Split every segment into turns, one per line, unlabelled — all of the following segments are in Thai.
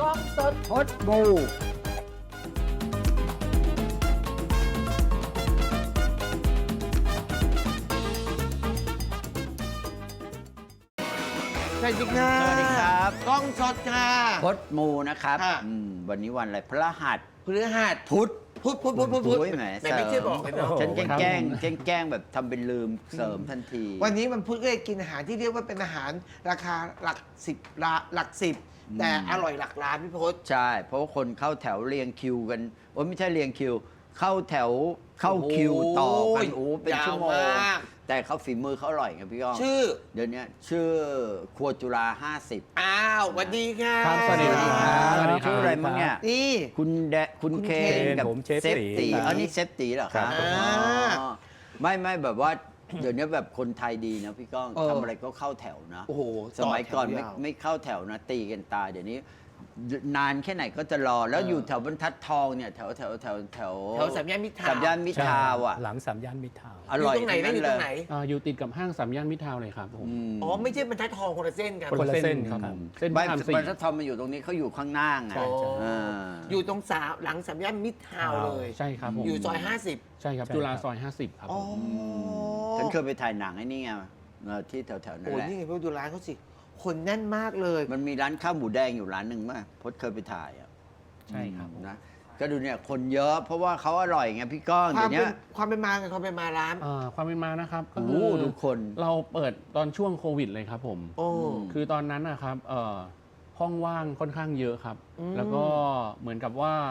กล้องสด
พดบู
สวัสดีค่ะ
สวัสดีครับ
กล้องสดค่ะ
พดมูนะครับ
ค่ะ
วันนี้วันอะไรพระหัส
พฤหัส
พุธ
พุธ
โอ้ยแหม
แต่ไม่ใช่บอกเลยเนาะ
ฉันแก
ครับ
ล้งแบบทำเป็นลืมเสริมทันที
วันนี้มันพุธก็เลยกินอาหารที่เรียกว่าเป็นอาหารราคาหลักสิบหลักสิบแต่อร่อยหลักล้านพี่พศ
ใช่ เพราะว่าคนเข้าแถวเรียงคิวกันโอ้ยไม่ใช่เรียงคิว เข้าแถวเข้าคิวต่อกันโอ้เป็นชั่วโมง
ยาวมาก
แต่เขาฝีมือเขาอร่อยไงพี่ก้อง
ชื่อ
เดี๋ยวนี้ชื่อครัวจุฬา50
อ้าวสวัสดีค่ะ
ครับสวัสดีครับ
สวัสดีครับชื่ออะไรมั้งเนี่ย
นี่
คุณคุณเคน
เคน
กับ
ผมเชฟ
เซฟ
ตี
ตี
ครับ
อันนี้เซฟตีเหรอครับ
ครับ
อ๋อไม่แบบว่า เดี๋ยวนี้แบบคนไทยดีนะพี่ก้องทำอะไรก็เข้าแถวนะ
โอ้โห
สมัยก่อน
ต่แถวยาว
ไม่เข้าแถวนะตีกันตายเดี๋ยวนี้ นานแค่ไหนก็จะรอแล้วอยู่แถวบรรทัดทองเนี่ยแถว
แถวสามย่านมิตรทาวน์
สามย่านมิตรทาวน์อ่ะ
หลังสามย่านมิตรทาวน์
อร่อย
อยู่ตรงไหนนะอยู่ตรงไหน
อยู่ติดกับห้างสามย่านมิตรทาวน์เลยครับผม
อ๋อไม่ใช่บรรทัดทองคนละเส้นกัน
คนละเส้นครับเส้นพ
ไม่
ระรามสี่
บรรทัดทองมันอยู่ตรงนี้เขาอยู่ข้างหน้าไง
ใช่ใช่
อ่า
อยู่ตรงหลังสามย่านมิตรทาวน์เลย
ใช่ครับผม
อยู่ซอย50
ใช่ครับ
ใช่
จุฬา
ครับ
ซอย 50 ครับ
อ๋
ผ
อ
ม
ฉันเคยไปถ่ายหนังไอ้นี่ไงที่แถวๆนั่
โอ้
นแหละ
นี่ไงพี่ดูร้านเขาสิ คนแน่นมากเลย
มันมีร้านข้าวหมูแดงอยู่ร้านหนึ่งมั้ยพจน์เคยไปถ่ายอ่ะ
ใช่ครับผม
นะก็ดูเนี่ยคนเยอะเพราะว่าเขาอร่อยไงพี่ก้อง
ควา
เดี๋
ม
ยว
เป็
เนี้
น
ย
ความเป็นมาความเป็นมาร้าน
ความเป็นมานะครับก็
โอ้
คื
โห
อ
ดูคน
เราเปิดตอนช่วงโควิดเลยครับผม
โอ้
คือตอนนั้นนะครับห้องว่างค่อนข้างเยอะครับ แล้วก็เหมือนกับว่า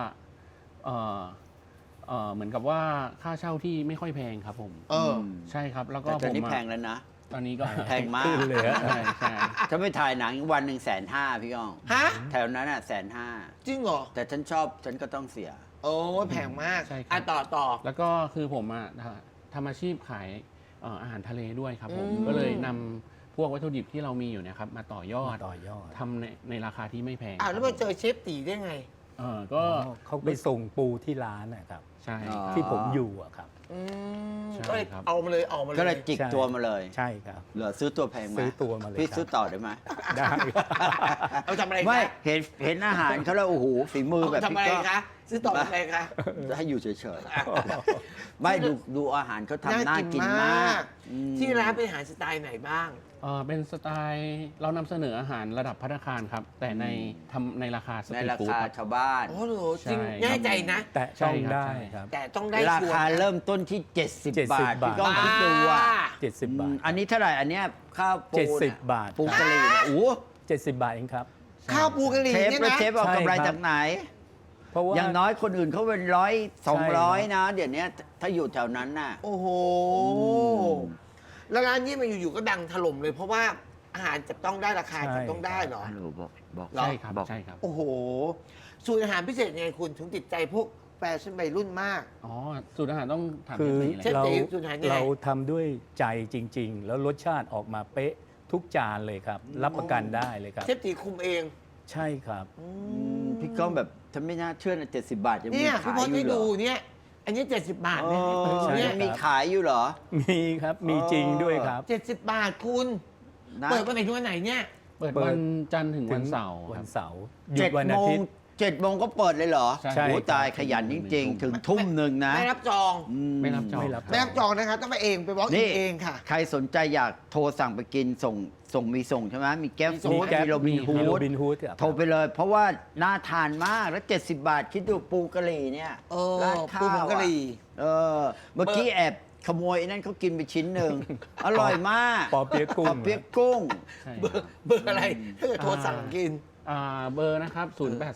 เหมือนกับว่าค่าเช่าที่ไม่ค่อยแพงครับผม
เออ
ใช่ครับ แล้วก็
แต่ตอนนี้
ผม
แพงแล้วนะ
ตอนนี้ก็
แพงมาก
ขึ้นเลยฮะใช่ใช่
ถ้าไปถ่ายหนังวันหนึ่ง150,000พี่ก้อง
ฮะ
แถวนั้นอ่ะ150,000
จริงเหรอ
แต่ฉันชอบฉันก็ต้องเสีย
โอ้แพงมาก
ใช่ครับ
อ่ะต่อ
แล้วก็คือผมทำอาชีพขายอาหารทะเลด้วยครับผม
อืม
ก็เลยนำพวกวัตถุดิบที่เรามีอยู่เนะครับมาต่อยอด ทำในราคาที่ไม่แพง
อ่ะแล้วมาเจอเชฟตีได้ไง
ก็
เขาไปส่งปูที่ร้านนะครับ
ใช่
อ๋อ
ที่ผมอยู่อะครับ
อืม
ใช่
ก็เลย
ครับ
เอามาเลยออกมาเลย
ก็เลยจิก
ใช่
ตัวมาเลย
ใช่ครับ
เหลือซื้อตัวแพงไหม
ซื้อตัวมาเลย
พี่
ครับ
ซื้อต่อได้ไหม
ได้
เอาทำอะไร
ไม่
คะ
เห็นอาหารเขาแล้วโอ้โหฝีมือ
เอา
แบบ
ทำ
พี่
อะไร
ก้อง
คะซื้อต่อทำอะไรคะ
ให้อยู่เฉยๆ ไม่ดูอาหารเขาทำน่ากินมากอืม
ที่ร้านเป็นอาหารสไตล์ไหนบ้าง
เป็นสไตล์เรานำเสนออาหารระดับภัตตาคารครับ แต่ในราคาส
ใน
ตรีท
รา
ฟู้ด
คา
ครับ
ชาวบ้าน
โอ้โหจริง
ใช่
แน่ใจนะ
แต่
ใช่
ต้อง
ครับ
ได้
ใช่
ครับ
แต่ต้องได้
รา
ชัวร์
คา
นะ
เริ่มต้นที่ 70
70
บาท
บาท
พี่ก้องคิดดูอ่ะ
70 บาท
อันนี้เท่าไหร่อันเนี้ยข้าวปู
70 บาท
ปูกะหรี่เนี่ยโอ้โห
70 บาทเองครับ
ข้าวปูกะหรี่
เชฟ
เนี่ย
แล้ว
นะ
เชฟเอากำไร
ใช่ครับ
จากไหน
เพราะว่า
อย่างน้อยคนอื่นเขาเป็น100
ใช่ครับ
200นะเดี๋ยวนี้ถ้าอยู่แถวนั้นน่ะ
โอ้โห
ม
แล้วร้านนี้มันอยู่ๆก็ดังถล่มเลย เพราะว่าอาหารจับต้องได้ราคา
ใช่
จับต้องได้เหรอ
ฮัลโหลบอก
เหรอ
ใช่ครับ
บอก
ใช่ครับ
โอ้โห สูตรอาหารพิเศษยังไงคุณถึงติดใจพวกแฟชั่นวัยรุ่นมาก
อ๋อสูตรอาหารต้องถาม
คือ
เชฟตีเลย
เชฟ
เรา
ตีสูตรอาหารยังไง
เราทำด้วยใจจริง ๆ แล้วรสชาติออกมาเป๊ะทุกจานเลยครับ รับประกันได้เลยครับ
เชฟตีคุมเอง
ใช่ครับ
พี่ก้องแบบฉันไม่น่าเชื่อนะ70 บาทยังมี
เนี่ยพี่
ขาย
พ
อ
ศให้
ยู่เหร
ดู
อ
เนี่ย อันนี้ 70 บาท
เอ
นะ
อ
ใช่
เนี่
ยั
ย
งมีขายอยู่เหรอ
มีครับมีจริงด้วยครับ
70 บาทคุณ
นะ
เปิดวันไหนถึงวันไหนเนี่ย
เปิดวันจันทร์ถึงวันเสาร์ค
วั
รั
น
บ
เสาร์หยุดวันอาทิตย์
7 โมงก็เปิดเลยเหรอ
ใช่
โอ้
ครับ
ตายขยันจริงๆ ถึงทุ่มหนึ่งนะ
ไม่รับจอง
อื
ไม่รับจอง
ไม่รับ
ไม่รับจองนะคะต้องไปเองไปบล็อก
นี่
เองค่ะ
ใครสนใจอยากโทรสั่งไปกินส่งมีส่งใช่ไหมมีแก๊ป
มีส่ง
ฟู้ด
แก๊ป
มีโรบินฮู
มีโร
ด
บินฮูดครับ
โทรไปเลย เพราะว่าน่าทานมากแล้ว 70 บาท คิดดูปูกะหรี่เนี่ย
เออ
ราดข้าว
ปูผงกะหรี่
เออเมื่อกี้แอบขโมยไอ้นั่นเขากินไปชิ้นหนึ่ง อร่อยมาก
ปอเปี๊ยะกุ้ง
ปอเปี๊ยะกุ้ง
ใช่
เบอร์อะไรถ้าเกิดโทรสั่งกิน
เบอร์นะครับ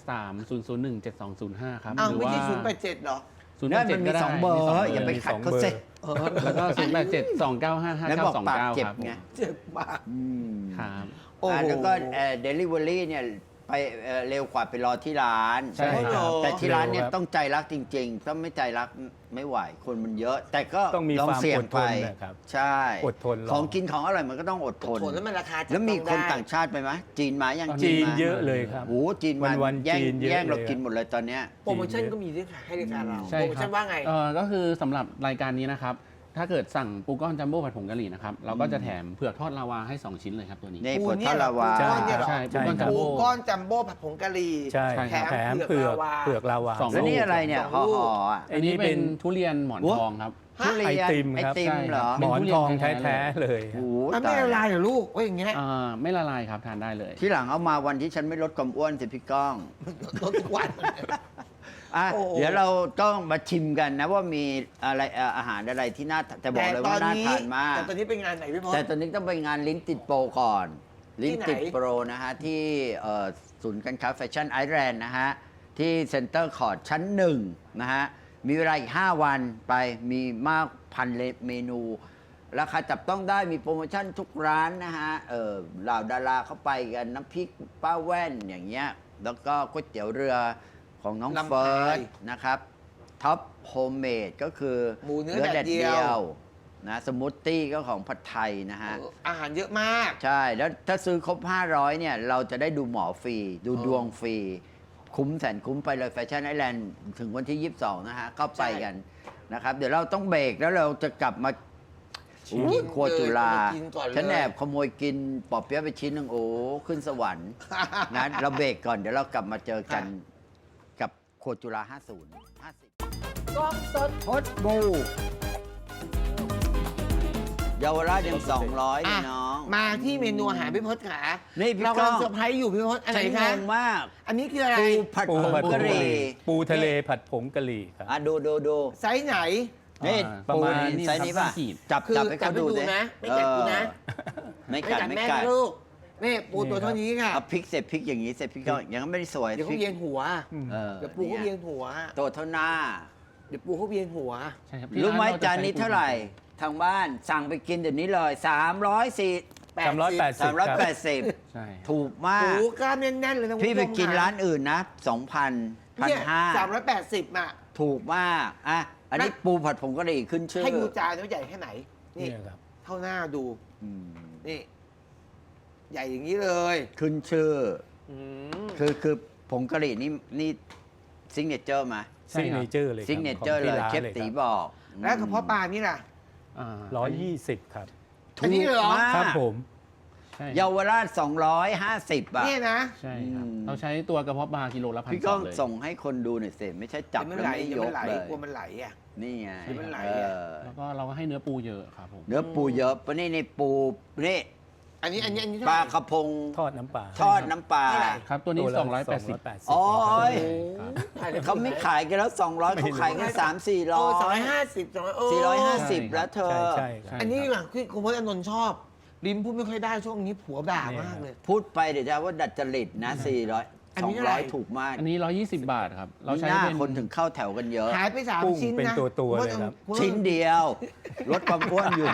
0830017205 ครับ
อ้าว
หรื
ไม่
ว่า
ใช่087เหรอ
นั่นมันมี
087
2 เบอร์ อย่าไป
มี
ขัด
2
เขา
เบอร์
เซ็
แล้วก็0872955929
แล้วบอกปากเจ็บ
ครับ
ไง
เจ็บมาก
อืม
ครับ
โอ้โห
แล้วก็เดลิเวอรี่เนี่ยไปเร็วกว่าไปรอที่ร้าน
ใช่ครับ
แต่ที่ร้านเนี่ย
เร็วครับ
ต้องใจรักจริงๆ ถ้าไม่ใจรักไม่ไหว คนมันเยอะ แต่ก็
ต้องมี
ลอง
ความ
เสี่ยง
อดท
ไป
นนะครับ
ใช่
อดทนรอ
ของกินของอร่อยมันก็ต้องอดทน
ผลแล้วมันราคาจับ
แล้วมี
ต้อง
คน
ได้
ต่างชาติไปไหมจีนมายัง
จีน
มา
เยอะเลยครับ
โอ้โหจีนมา
วันๆ
แย่ง
จีนเยอะ
แย่งเรา
เลย
กินหมดเลยตอนเนี้ย
โปรโมชั่นก็มีด้วยค่ะ ให้รายการเรา
ใช่
โปรโม
ครั
ชั่
บ
นว่าไง
ก็คือสำหรับรายการนี้นะครับถ้าเกิดสั่งปูก้อนจัมโบ้ผัดผงกะหรี่นะครับเราก็จะแถมเผือกทอดลาวาให้ 2 ชิ้นเลยครับตัวนี้
นี่
ปู
ผล
เนี่
ท
ย
อดลาวา
ปูก้อนเนี่ยเหรอ
ใช่ปูก้อนจัม
ปู
โบ้
ก้อนจัมโบ้ผัดผงกะหรี่
ใช่
ใช่
แถม
เผือก
ลาวา
เผือกลาวา
สอง
แล้วนี่อะไรเนี่ย
สองลู
ห่อก ๆอ่ะ
อันนี้เป็นทุเรียนหมอนทองครับ
ทุเรียน
ไอติมครับ
ไอติมเหรอ
หมอนทอง
เป็นทุเรียนแท้
แท้ๆเลย
โอ้
มัน
ตา
ไม่
ย
ละลายเหรอลูกว่าอย่างเงี้ย
ไม่ละลายครับทานได้เลย
ที่หลังเอามาวันที่ฉันไม่ลดความอ้วนสิพี่ก้อง
ลดทุกวัน
อ่ะ
โอ้
เดี๋ยวเราต้องมาชิมกันนะว่ามีอะไรอาหารอะไรที่น่าแต่บอกเลยว่าน่าทานมาก
แต่ตอนนี้เป็นงานไหนพี่พศ
แต่ตอนนี้ต้องไปงานลิ้นติดโปรก่อน ลิ้นติด
ที่ไหน
โปรนะฮะ ที่ศูนย์การค้าแฟชั่นไอแลนด์นะฮะ ที่เซ็นเตอร์คอร์ดชั้นหนึ่งนะฮะ มีเวลาอีก 5 วันไปมีมากพันเมนู ราคาจับต้องได้มีโปรโมชั่นทุกร้านนะฮะเหล่าดาราเข้าไปกันน้ำพริกป้าแว่นอย่างเงี้ยแล้วก็ก๋วยเตี๋ยวเรือของน้อง
ลำไย
เฟิร์สนะครับท็อปโฮมเมดก็คือ
หมูเนื้อแดดเดียว
นะสมูทตี้ก็ของผัดไทยนะฮะ
อาหารเยอะมาก
ใช่ แล้วถ้าซื้อครบ 500 เนี่ย เราจะได้ดูหมอฟรี ดูดวงฟรี คุ้มแสนคุ้มไปเลยแฟชั่นไอแลนด์ถึงวันที่ 22 นะฮะ ก็ไปกันนะครับ เดี๋ยวเราต้องเบรกแล้วเราจะกลับมา
ชิม
อู้ครัวจุฬา
กินก่อนเลย
ฉันแอบขโมยกินปอเปี๊ยะไปชิ้นหนึ่งโอ้ ขึ้นสวรรค์นะเราเบรกก่อน เดี๋ยวเรากลับมาเจอกันกับครัวจุฬา 50
กล้องสด
พดบูเยาวราชยัง 200เลยน้อง
มาที่เมนูอาหารพี่พศขา
นี่พี่
เรา
ก้
กำ
อ
ลั
ง
งเซอร์ไพรส์อยู่พี่พศอะไร
ฉันง
คะ
งมาก
อันนี้คืออะไร
ปูผัด
ปู
ผง
ผัดผ
กะ
ง
ห
กะห
รี่
รี่ปูทะเลผัดผงกะหรี่ครับ
อ่ะดู
ไซส์ไหน
นี่
ประมาณ
ปูไซส์นี้ป่ะ
ขีด
จับ
คือ
จับให้เขาดู
จับให้ดู
สิ
นะไม่กัดกูนะ
ไม่กัดไม่
แม่
กัด
นะลูกนี่ปูตัวเท่านี้ค่ะ
เอาพริกเสร็จพริกอย่างนี้เสร็จพริกก็ยังไม่ได้สวย
เดี๋ยว
พ
เขา
ริก
เวียนหัว
เ
เดี๋ยวปูเขาเวียนหัว
ตัวเท่าหน้า
เดี๋ยวปูเขาเวียนหัว
ใช่ครับ
รู้ไหม
ที่
จานนี้เท่าไหร่ ทางบ้านสั่งไปกินเดี๋ยวนี้เลย380
ใช่
ถูกมา
ปู
ก
กล้ามแน่นๆเลยนะ
พี่ไปกิน
คุณผู้ชม
ร้านอื่นนะ 2,000
เนี่ย
1,500
380อ่ะ
ถูกมากอ่ะอันนี้ปูผัดผงกะหรี่ขึ้นชื่อ
ให้ดูจานว่าใหญ่แค่ไหน นี่
เนี่ยครับ
เท่าหน้าดู
อืม
นี่ ใหญ่อย่างนี้เลย
ขึ้นชื่อ
อืม
คือผงกะหรี่นี่ซิงเนเจอร์มา
ใช่
ซิก
ครั
เน
บ
เจอร์เลย
ซิงเนเจอร์เลยเชฟตีบอก
แล้วกระเพาะปลานี่ล่ะ
120 ครับ
อันนี้เลยเหรอ
ถูกมาก
ครับผม
ใช่
เยาวราช 250 อ่ะ
เนี่ยนะ
ใช่ครับ
อืม
เราใช้ตัวกระเพาะปลากิโลละ1,200
พี่ก้อง
เลย
ส่งให้คนดูหน่อยสิไม่ใช่จับ
เดี๋ยวมัน
แล้ว
ไหล
ไม่
เดี๋ย
ยว
มัน
ก
ไหล
เลย
กลัวมันไหลอ่ะ
นี่ไง
เดี๋ยวมันไหล
เอ
อะ
อ
แล้วก็เราก็ให้เนื้อปูเยอะครับผม
เนื้อปูเยอะปะนี่ในปูนี่
อันนี้
ปลา
เท่าไหร่
กระพง
ทอดน้ำปลา
ทอดน้ำปลา
เท่าไหร่
ครับตัวนี้
ละ
280
โอ้ย
ถ่ายใน
เขาไม่ขายกันแล้ว 200เขาขายกัน300-400
250
450 แล้วเธอ
ใช่ครับ
อันนี้ดีกว่าที่คุณพจน์อานนท์ชอบ ริมพูดไม่ค่อยได้ช่วงนี้ผัวด่ามากเลย
พูดไปเดี๋ยวจะว่าดัดจริตนะ 400
อันนี้เท่าไหร่
200 ถูกมาก
อันนี้ 120 บาทครับ เรา
นี่
ใช้
หน้า
เป็น
คนถึงเข้าแถวกันเยอะ
หายไปสาม
กุ้ง
ชิ้นนะ
เป็นตัวๆเลยครับ
ณพจ
ชิ้นเดียวลดความอ้วนอยู่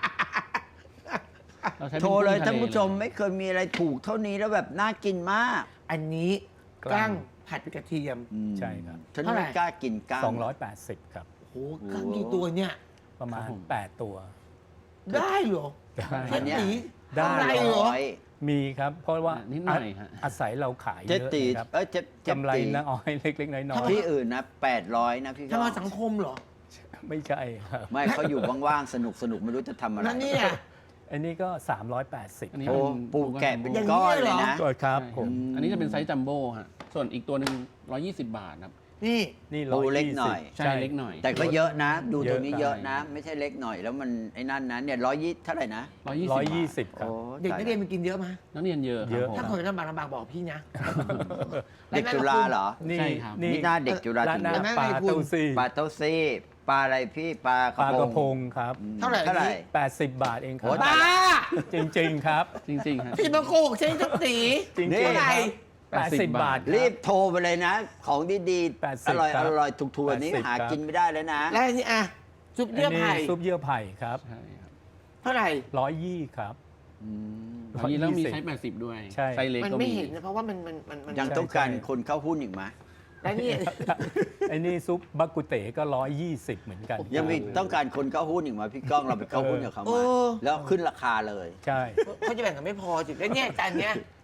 เราใช้ป็น
โทรเลย
กุ้งทะ
ท่านผู้ชมไม่เคยมีอะไรถูกเท่านี้แล้วแบบน่ากินมาก
อันนี้กล้างผัดกระเทียม
ใช่ครับ
ฉัน
เท่าไหร่
ไม่กล้ากินก้าง
280 ครับ
โอ้โหกล้างกี่ตัวเนี่ย
ประมาณ 8 ตัว
ได้เหรอ
ใช่
อันเนี้ย
หนี
ได้
ทำไรเหรอ
ร้อย
มีครับ เพราะว่า
นิดหน่อยฮะ
อาศัยเราขาย
เจ๊
เยอะ
ตี
นะครับ
เจ๊
กำไร
ตี
น้อยเล็กๆ น้อย
ที่อื่นนะ800นะพี่
ทำ
ก็
มาสังคมเหรอ
ๆ ไม่ใช่ครับ
ไม่เขาอยู่ว่างๆสนุกไม่รู้จะทำอะไร
นั่นเนี่ย
อันนี้ก็
อันนี้
โอ้
เป็น
380
ปูแกะเป็น
อย่างนี้
ก้อน
เลย
เล
เหร
ย
อ
นะ
ก็ครับ
ใช่
ผม
อันนี้จะเป็นไซส์จัมโบ้ฮะ ส่วนอีกตัวหนึ่ง120 บาทครับ
นี่
นี่
ปูเล็กหน่อย
ใช่เล็กหน่อย
แต่ก็เยอะนะ ดู
เย
ตร
อะ
งนี้
ครับ
เยอะนะ ไม่ใช่เล็กหน่อยแล้วมันไอ้นั่นนะเนี่ย120เท่าไหร่นะ
120 ครับ
โอ้
เด็กนักเรียน
ตาย
มันกินเยอะไหม
นักเรียนเยอะค
เย
รับ
อะ
ผม
ถ้าคนลำบากบอกพี่นะ
เด็กจุฬาเหรอ
นี่
ใช่ครับ
นี่หน้าเด็กจุฬา
ร้าน
ถึง
หน้า
เยอะ
แม่
ปลา
ในทุน
เต้าซี่
ปลาเต้าซี่ปลาอะไรพี่ปลาก
ปลากระพ
พ
งครับ
อืม
เท่าไหร่
เท่าไหร่
80 บาทเองครั
โอ้
บ
บ้า
จริง ๆ ครับ
จริงๆฮะ
พี่มาโกหกฉันทุกสี
จริง
นี่
ๆ
เท่าไหร่
ครับ80 บาทค
รี
รับ
โทรไปเลยนะ ของดีๆ
80
อร่อย
ครับ
อร่อยถูกๆแบบนี้
80
หา
ครับ
กินไม่ได้แล้วนะ
แล้วอันนี้อ่ะซุปเยื่อไผ่
นนี้ซุปเยื่อไผ่ครับ
ใช่ครับ
เท่าไหร่
120ครับ
อันนี้แล้วมี
120
ไซส์80 ด้วย
ใช่
ไซส์เล็ก
มัน
ก็
ไม่
มี
เห็นนะเพราะว่ามัน
ยัง
ใช่
ต้องการ
ใช่
คนเข้าหุ้นอีกไหม
แล้วนี่
ไอ้นี่ซุปบักกุเต๋ก็120เหมือนกัน
ยังมีต้องการคนเข้าหุ้นอีกไหมพี่ก้องเราไปเข้าหุ้นกับเขา
เอ
มา
อ
แล้วขึ้นราคาเลย
ใช่
เขาจะแบ่งกันไม่พอจิแล้วเนี่ยจานเนี้ย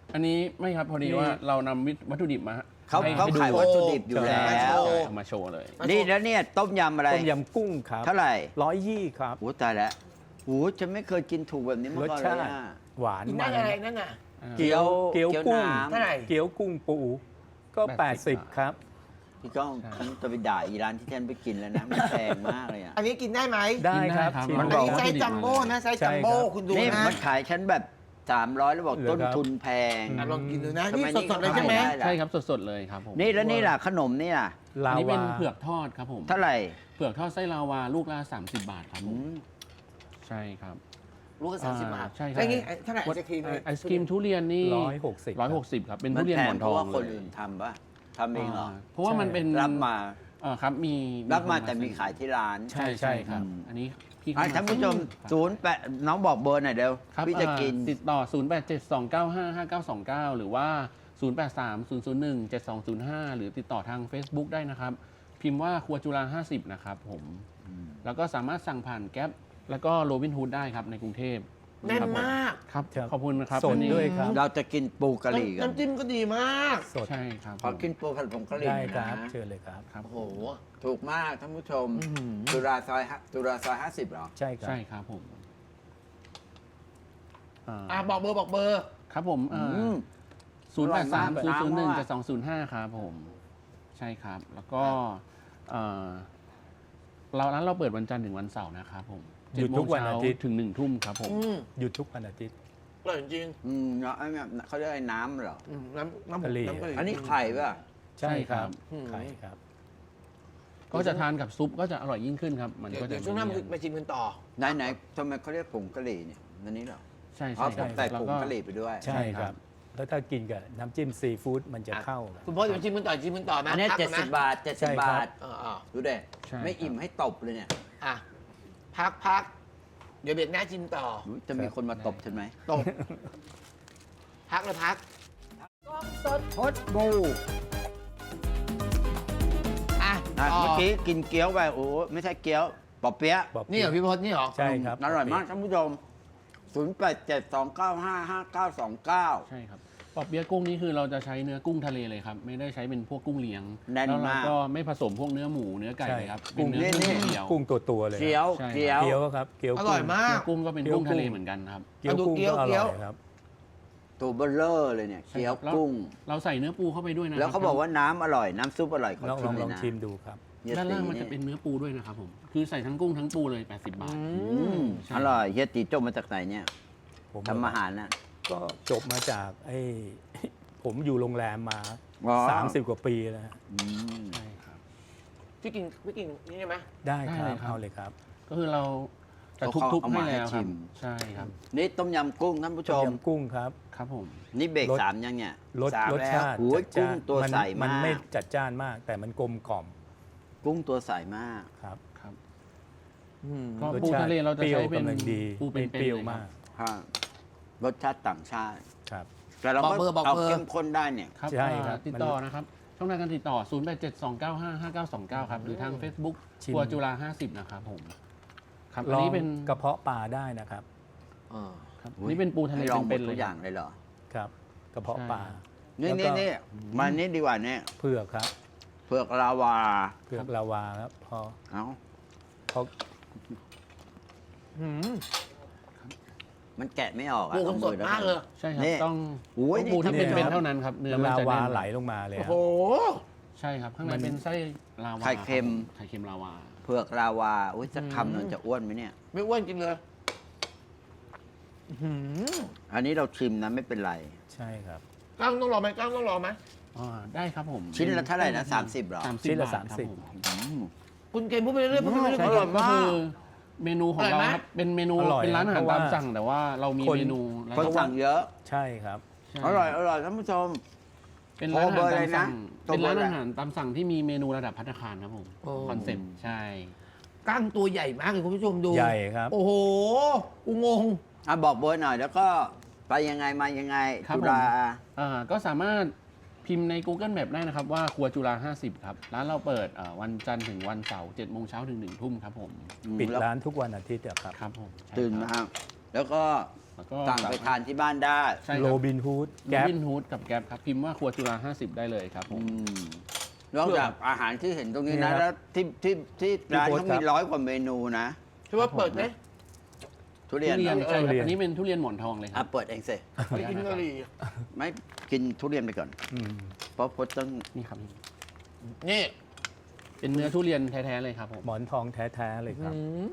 อันนี้ไม่ครับพอดี
นี่
ว่าเรานำวัตถุดิบมา
เขา
ให้
เขา
ให้ดู
ขายวัตถุดิบอยู่
ใช่
แล้ว
เอามาโชว์เลย
นี่แล้วเนี่ยต้มยำอะไร
ต้มยำกุ้งครับ
เท่าไหร่
120ครับ
โอ้ตายแล้วโอ้ฉันไม่เคยกินถูกแบบนี้มาร
ส
ก่อนเล
ชาย ติ
อะ
หวาน
กิน
มั
ได้
น
อะไรนั่นน่ะ
เกี๊ยว
เกี๊ยวกุ้ง
น้ำ
เท่าไหร่
เกี๊ยวกุ้งปูก็ 80 ครับ
พี่ก้องฉันจะไปด่าอีร้านที่ฉันไปกินแล้วนะมันแพงมากเลยอ่ะ
อันนี้กินได้ไหม
ได้ครับ
กินได้ครับ
ชิม
มั
อัน
บ
ก่
ก
นี้
อน
ไซส์จัมโบ้นะไซส์จัมโบ้
ใช่ครับ
คุณดู
นี่
นะ
มันขายฉันแบบ300แล้วบอก
เหรอ
ต้น
ครับ
ทุนแพง
อ่ะลองกินดูนะ
ทำ
นี่
ไม
สดๆเลยใช่ไหม
นี่ก็ขายได้
ใช่ครับสดๆเลยครับผม
นี่แล้วนี่ล่ะขนมนี่ล่ะ
ลา
อันนี้เป็
วาน
เผือกทอดครับผม
เท่าไหร่
เผือกทอดไส้ลาวาลูกละ30 บาทครับผ
อื
ม
ม
ใช่ครับ
ลูกละ30 บาท
ใช่ครับ
แล้วนี่เท่าไหร่ไอศครีม
ไอศครีมทุเรียนนี่
160
160 ครับ เป็น
มั
ทุ
น
เรียน
แพ
หม
ง
อน
เพ
ทอ
ราะ
ง
ว่าคน
เลย
อื่นทำปะทำเองเหรอ
เพราะว่ามันเป็น
รับมา
ครับมี
รับมาแต่มีขายที่ร้าน
ใช่ใช่ครับ อันนี้พี่
อ่ะท่านผู้ชม08น้องบอกเบอร์หน่อยเร็ว
ครับ
พี่จะกิน
ติดต่อ 0872955929 หรือว่า 0830017205 หรือติดต่อทาง Facebook ได้นะครับ พิมพ์ว่าครัวจุฬา50 นะครับผม แล้วก็สามารถสั่งผ่านแก๊ปแล้วก็โรบินฮูดได้ครับในกรุงเทพ
แน่นมาก
ครับ
ครับ
ขอบคุณนะครับ
สด
อันนี้
ด้วยครับ
เราจะกินปูกะหรี่กัน
น้ำจิ้มก็ดีมาก
สด
ใช่ครับ
ขอกินปูผัดผงกะหรี่
ได้ครับ
นะ
เชิญเลยครับ
ครับ
โอ้โห
ถูกมากท่านผู้ชม
อื้อหือ
จุฬาซอย50เหรอ
ใช่ครับ
ใช่ครับผมอ่า
อ่ะบอกเบอร์บอกเบอร์
ครับผม
อืม
0830017205 ครับผม ใช่ครับ แล้วก็ร้านเราเปิดวันจันทร์ถึงวันเสาร์นะครับผม
หยุดทุกวันอาทิตย์
7 โมงเช้าถึง1 ทุ่มครับผม
อืม
หยุดทุกวันอาทิตย์
อร่อยจริง
เนาะไอ้เนี่ยเขาเรียกไอ้น้ำเหรอ
อืมน้ำ
กะหรี่
น้ำกะหรี่
อันนี้ไข่ป่ะ
ใช่ครับ
อืม
ไข่ครับ
ก็จะทานกับซุปก็จะอร่อยยิ่งขึ้นครับ มัน
เดี๋ยว
ก็จะ
เดี๋ยวช่วงหน้ามาชิมกันต่อ
ไหนทำไมเขาเรียกผงกะหรี่เนี่ยอันนี้เหรอ
ใช่
อ๋อ
ใช่
ผมใส่
แล้ว
ผง
ก็
กะหรี่ไปด้วย
ใช่ครับ แล้วถ้ากินกับน้ำจิ้มซีฟู้ดมันจะ
อ่ะ
เข้ากัน
คุณพ่อจะมาชิมกันต่อชิมกันต่อไหม
อันนี้
พักก่ะ
70 บาท
ใช่
70
ครับ
บาท
อ่า
ดูเด็
ใช่
ไม่อิ่มให้ตบเลยเนี่ย
อ่ะพักเดี๋ยวเบรกหน้าชิมต่อ
อุ๊ยจะมีคนมาตบฉันไหม
ตบพักเลยพัก
พดบู
อ่ะ
อ่ะ
ต่อ
เมื่อกี้กินเกี๊ยวไปโอ้ไม่ใช่เกี๊ยวปอเปี๊ยะ
บอก
นี่เหรอพี่พศนี่เหรอ
ใช่ครับ
อร่อยมากท่านผู้ชม 0872955929
ใช่ครับปอบเปี๊ยะกุ้งนี่คือเราจะใช้เนื้อกุ้งทะเลเลยครับ ไม่ได้ใช้เป็นพวกกุ้งเลี้ยง
แน่น
แล้วเรา
มาก
ก็ไม่ผสมพวกเนื้อหมูเนื้อไก่
ใช่
เลยครับ
กุ้ง
เป็นเนื้อกุ้ง
นี่
เดียว
กุ้งตัวๆเลย
เกี๊ยว
ใช่
เกี๊ยว
เกี๊ยวครับเกี๊ยว
อ
กุ้ง
ร่อยมาก
กุ้งก็เป็น
เกี๊ยว
กุ้งทะเล
กุ้ง
เหมือนกันครับ
เกี๊ยวกุ้ง
เกี๊ยว
ก็อ
เกี๊
ร่
ยว
อยครับ
ตัวเบลเลอร์เลยเนี่ย
ใช่
เกี๊ยว
ครับ
กุ้ง
เราใส่เนื้อปูเข้าไปด้วยนะ
แล้วเขาบอกว่าน้ำอร่อยน้ำซุปอร่อยขอ
ลอง
ชิมเล
ลอย ง
นะ
ชิมดูครับ
เฮีย
ด้าน
ตี
ล่างมันจะเป็นเนื้อปูด้วยนะครับผม คือใส่ทั้งกุ้งทั้งปูเลย 80 บาท ใช่
อร่อยเฮียตีจบมาจากไหนเนี่ย
ผม
ทำอาหารน่ะ
ก็จบมาจากไอ้ ผมอยู่โรงแรมมา
อ๋อ
30 กว่าปีแล้วฮะ
อืม
ใช่ครับ
พี่กินนี่ได้ไหม
ได้ค
ได้
รับ
เลยครับ
เอาเลยครับ
ก็คือเราจะทุบๆให้แล้วครับ ใช่ครับ
นี่ต้มยำกุ้งท่านผู้ช
ต้ม
ม
ยำกุ้งครับ
ครับผม
นี่เบรก
รส
3ยังเนี่ย
รส
สาม
รส
แล้ว
ชาติ
โอ้ย
จัด
กุ้ง
จ้าน
ตัวใส
มั
มาก
ไม่จัดจ้านมาก แต่มันกลมกล่อม
กุ้งตัวใสมาก
ครับ
ครับ
อืม
ก็
รส
ปู
ชาติ
ทะเลเราจะ
เปรี้ยว
ใช้เป็น
กำลังดี
ปูเป็น
ไม่เปรี้ยวมาก
รสชาติต่างชาติ
ครับ
แต่เราก็เอาเข้มข้นได้เนี่ย
ครับ
ใช่ครับ
ติดต่อนะครับ ช่องทางการติดต่อ 0872955929 ครับ หรือทาง Facebook
ชิม
ครัวจุฬา50 นะครับผม ครับ อั
ล
น
อง
นี้เป็น
กระเพาะปลาได้นะครับ
อ่า
ครับอันนี่เป็นปูทะเล
ให้ลองหม
เป็
ด
นๆเล
ทุ
ย
กอย่างเลยเหรอ
ครับ กระเพาะ
ใช่
ปลา
นี่
แล้วก็
นี่มานี่ดีกว่าเนี่ย
เผือกครับ
เผือกลาวา
เผือกลาวาครับพอ
เอ้า
พอ
หืม
มันแกะไม่ออกอะ
ปูมันสดมากเลย
ใช่ครับ
นี่
ต้อง
โอ้ย
ปูที่
นี่
เป็น
ครับ
ๆเท่านั้นครับ เนื้อมัน
ลา
จะ
วา
แน่น
ไหลลงมาเลย
โอ้
ค
โห
รับ
ใช่ครับ ข้างใน
มัน
เป็นไส้ลาวา
ไข่เค็ม
ไข่เค็มลาวา
เผือกลาวาอุ้ยจะคำมันจะอ้วนไหมเนี่ย
ไม่อ้วนกินเลยหืม
อันนี้เราชิมนะไม่เป็นไร
ใช่ครับ
กล้างต้องรอไหมกล้างต้องรอไหม
ได้ครับผม
ชิ้นละเท่าไหร่นะ30เหรอ
30
ชิ้นละ
บาทครับ
30
ผม
อืม
คุณเกมพูดไปเรื่อยๆพูดไปเรื่อยๆ
ใช่
พูด
ค
ไป
รับ
เรื่อย
ก็คือเมนูของ
อร่อย
เรา
ไหม
ครับเป็นเมนู
อร่อย
เป็นร้านอาหาร
เพราะว่า
ตามสั่งแต่ว่าเรามี
คน
เมนูแล้ว
คน
ก็
สั่งเยอะ
ใช่ครับ
ใช่
อร่อยอร่อยท่านผู้ชม
เป็นร้านอา
โทรเบอ
หาร
ร์
ตาม
เลยนะ
สั่ง
โทร
เป็น
เบอร์
ร้านอาหารตามสั่งที่มีเมนูระดับภัตตาคารครับผม
โอ้
คอนเซ็ปต์ใช่
กล้างตัวใหญ่มากเลยคุณผู้ชมดู
ใหญ่ครับ
โอ้โหกูงง
อ่ะบอกเบอร์หน่อยแล้วก็ไปยังไงมายังไง
ครับ
จุ
ผม
ฬา
ก็สามารถพิมพ์ใน Google Map ได้นะครับว่าครัวจุฬา50 ครับ ร้านเราเปิดวันจันทร์ถึงวันเสาร์7 โมงเช้าถึง 1 ทุ่มครับผม
ปิด
แล้ว
ร้านทุกวันอาทิตย์อะครับ
ครับผมใช่
ตื่น
ค
มา
รับ
แล้วก็
แล้วก็
สั่งไปทานที่บ้านได้
ใช่ค
โร
รับ
บินฮูด
โร
แก๊ป
บินฮูดกับแก๊ปครับ พิมพ์ว่าครัวจุฬา50 ได้เลยครับผม
นอกจากอาหารที่เห็นตรงนี้
นี่
นะ
ครับ
แล้วที่ร้าน
พี่โพส
เขา
ต์ครั
มี
บ
100 กว่าเมนูนะ
ใช่ว่าเปิดไหม
ทุเรียน
ทุเรียน
เหรอ
ใช่ค
ทุ
รับ
เรียน
อันนี้เป็นทุเรียนหมอนทองเลยค
อ่ะ
รับ
เปิดเองสิ
ไปกินกะหรี่
ไม่กินทุเรียนไปก่อน
อืม
เพราะพจน์ต้อง
นี่ครับ
นี่
เป็นเนื้อทุเรียนแท้ๆเลยครับผม
หมอนทองแท้ๆเลยครับ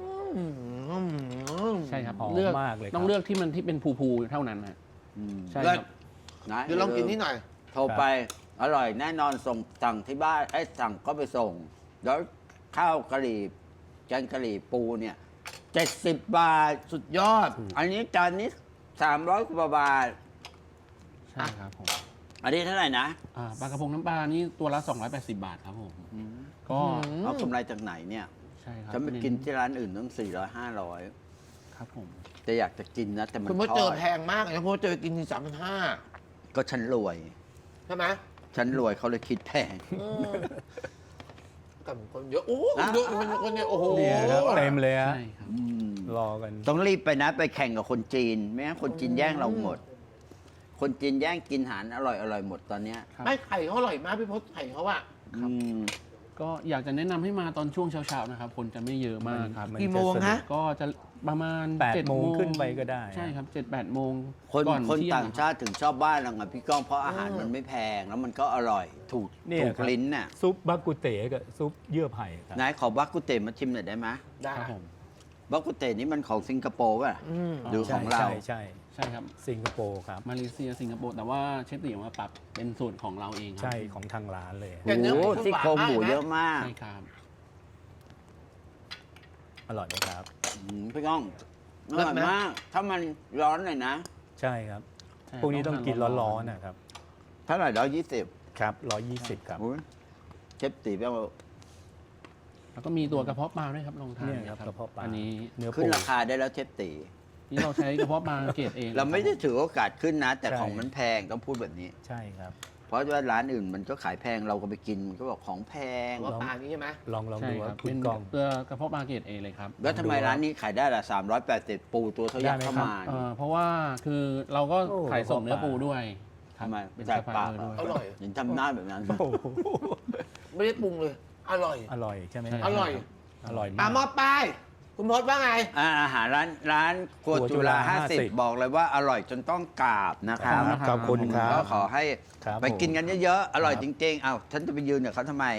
ใช่ครับ
หอม
เลือก
มากเลยครับ
ต้องเลือกที่มันที่เป็นภูๆเท่านั้นฮะ
อืม
ใช่
เลิ
ค
ศ
รับ
นะ
เดี๋ยวลองกินนี่หน่อย
โทรไปอร่อยแน่นอนส่งสั่งที่บ้านสั่งก็ไปส่ง แล้วข้าวกะหรี่แกงกะหรี่ปูเนี่ย70 บาท
สุดยอด
อันนี้จานนี้300 กว่าบาท
ใช่ครับผม
อันนี้เท่าไหร่นะ
ปลากระพงน้ำปลานี่ตัวละ280 บาทครับผม ก็
เอากำไรจากไหนเนี่ย
ใช่ครับ
ฉันไปกินที่ร้านอื่นต้อง400
ครับผม
500แต่อยากจะกินนะแต่มัน
คุณพ่อ
ท
เจ
อ
อ
ด
แพงมากนะเพราะว่าเจอกินที่35,000
ก็ฉันรวย
ใช่ไหม
ฉันรวยเขาเลยคิดแพง
กับคนเยอะโอ้
อ่ะ
เยอะคนเยอะโอ้โห
เนี่ยครับเต็มเลยฮะ
ใช่ครับ
รอกัน
ต้องรีบไปนะไปแข่งกับคนจีน ไม่งั้นคนจีนแย่งเราหมด คนจีนแย่งกินอาหารอร่อยหมดตอนเนี้ย
ครับ
ไม่ไข่เขาอร่อยมากพี่พศไข่เขาอะ
อืม
ก็อยากจะแนะนำให้มาตอนช่วงเช้าๆนะครับ คนจะไม่เยอะมากครับ
มัน
กี่โมงฮะ
ก็จะประมาณ
8
7
โมงขึ้นไปก็ได้
ใช่ครับ 7-8 โมง
คน
ก่อน
คน
เที่ย
ต่างชาติถึงชอบบ้านเราไงพี่ก้องเพราะอาหารมันไม่แพงแล้วมันก็อร่อย ถูก
เนี่ย
ถูก
ครับ
ลิ้นน่ะ
ซุปบักกุเตกับซุปเยื่อไผ่ครับ
นายขอบักกุเตมาชิมหน่อยได้ไหม
ได้
ครับผม
บักกุเตนี่มันของสิงคโปร์ป่ะ
อืม
หรือของเรา
ใช่ใช่
ใช่ครับ
สิงคโปร์ครับ
มาเลเซียสิงคโปร์แต่ว่าเชฟตีมาปรับเป็นสูตรของเราเองครับ
ใช่ของทางร้านเลย
แต่เนื้อ
โอ้
หมู
โหซี่โครงหมู
หวานมากนะ
เยอะมาก
ใช่ครับ
อร่อยไหมครับ
พี่ก้องอ
เลิศ
ร่อย
ไหม
มาก ถ้ามันร้อนหน่อยนะ
ใช่ครับ
ใช่
พวกนี้ต้องกิน
ทา
ร้อนๆนะครับ
เท่าไหร่120
ครับ120 ครับ
อุ๊ยเชฟตีแปลว่า
แล้วก็มีตัวกระเพาะปลาด้วยครับลองทาน
เนี่ยครับกระเพาะปลา
อันนี้
เนื้อ
ขึ้
ปู
นราคาได้แล้วเชฟตี
นี่เราใช้กระเพาะปลาเกรดเอง
เราไม่ได้ถือโอกาสขึ้นนะ แต่
ใช่
ของมันแพงต้องพูดแบบนี้
ใช่ครับ
เพราะว่าร้านอื่นมันก็ขายแพงเราก็ไปกินมันก็บอกของแพง
ว่าปลานี้ใช่ไหม
ลอง
ใช่
ดู
ค
ว่า
รับ
คุ
เป็
ณ
น
กอง
ตัวกระเพาะปลาเกรดเอเลยครับ
แล้วทำไมร้านนี้ขายได้ละ380 ปูตัวเท่ายักษ์
ได้
เข้า
ไหมครับ
มา
เพราะว่าคือเราก็
โอ้
ขายส่งเนื้อปูด้วยครั
ทำ
บ
ไม
เป็น
จ่า
ซั
ย
พพลา
ปาก
ยเออด้วย
อร่อย
เห็นทำหน้าแบบนั้น
โอ้โห
ไม่ได้ปรุงเลย อร่อย
อร่อยใช่ไหม
ใช่
อร่อย
อร่อย
อ่ะ
มาก
มอบป้ายคุณพศว่าไง
อาหารร้านครัว
ครัวจุ
จุฬา
ฬา
50
50
บอกเลยว่าอร่อยจนต้องกราบนะครับ
ขอบคุณครับ
ก็ขอให้
ครับ
ไปกินกันเยอะๆ อร่อย
ครับ
จริงๆ เอ้าฉันจะไปยืนกับเขาทำไม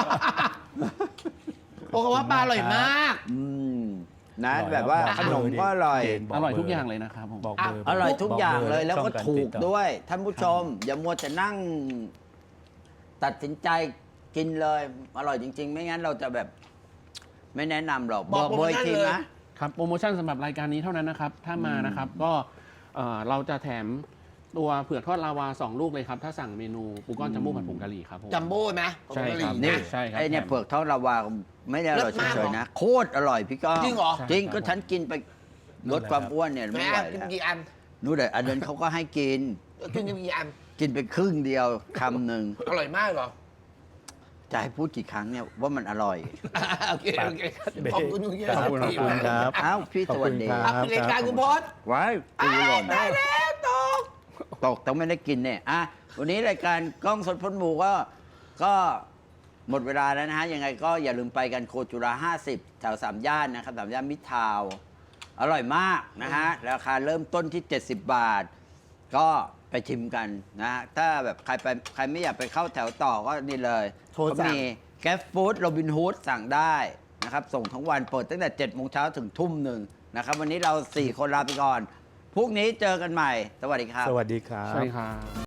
โอ้เขาว่าปลาอร่อยมาก
อืมนะแบบว่าขนมก็อร่อย
เจนบ
อร่อย
เบ
ทุกอย่างเลยนะครับผม
บอกเบอร์
อร่อยทุกอย่างเลย
บ
แล้วก็
ช่องาร
ถูก
ติต่อ
ด้วย ท่านผู้ชม อย่ามัวแต่นั่ง ตัดสินใจกินเลย อร่อยจริง ๆ ไม่งั้นเราจะแบบ ไม่แนะนำหรอก
บอก
เบอร์อีกที
โปรโมชั่นเลย
ครับโปรโมชั่นสำหรับรายการนี้เท่านั้นนะครับ ถ้ามานะครับก็เราจะแถมตัวเผือกทอดลาวา 2 ลูกเลยครับ ถ้าสั่งเมนูปูก้อนจัมโบ้ผัดผงกะหรี่ครับผม
จัมโบ้ไหม
ใช่ครับ
นี่
นี่
ใช่ครับ
ไอเนี่ย
แถม
เผือกทอดลาวาไม่ได้อร่อย
เลิศมาก
เฉยๆนะ โคตรอร่อยพี่ก้อง
จริงเหรอ
จริง
ใช่ครับ
ก็ฉันกินไปลดความอ้วนเนี่ย
แม่
ไม่ไหว
กิน
แล้ว
กี่อัน
นู่นแต่อันนั้นเขาก็ให้กิน
กินกี่อัน
กินไปครึ่งเดียวคำหนึ่ง
อร่อยมากเหรอ
จะให้พูดกี่ครั้งเนี่ยว่ามันอร่อย
โอเคโอเคขอบคุณคุณเยอะ
ขอบคุณครับ
อ้าวพี่สวัสดี
ขอบ
ครับ
ครับ
รายการคุณพศ
ไว้ตีหล่น
ได้แล้วตก
ตกต้องไม่ได้กินเนี่ยอ่ะวันนี้รายการกล้องสดพ้นหมู่ก็หมดเวลาแล้วนะฮะ ยังไงก็อย่าลืมไปกันโคจุฬา50 แถว3 ย่านนะครับ3 ย่านมิตรทาวน์อร่อยมากนะฮะ ราคาเริ่มต้นที่ 70 บาท ก็ไปชิมกันนะฮะ ถ้าแบบใครไม่อยากไปเข้าแถวต่อก็นี่เลย
โทรสั่ง
เขามีแกร็บฟู้ดโรบินฮูดสั่งได้นะครับ ส่งทั้งวันเปิดตั้งแต่7 โมงเช้าถึงทุ่มหนึ่งนะครับ วันนี้เรา 4 คนลาไปก่อนพรุ่งนี้เจอกันใหม่ สวัสดีครับ
สวัสดีครับ
ใช่ครับ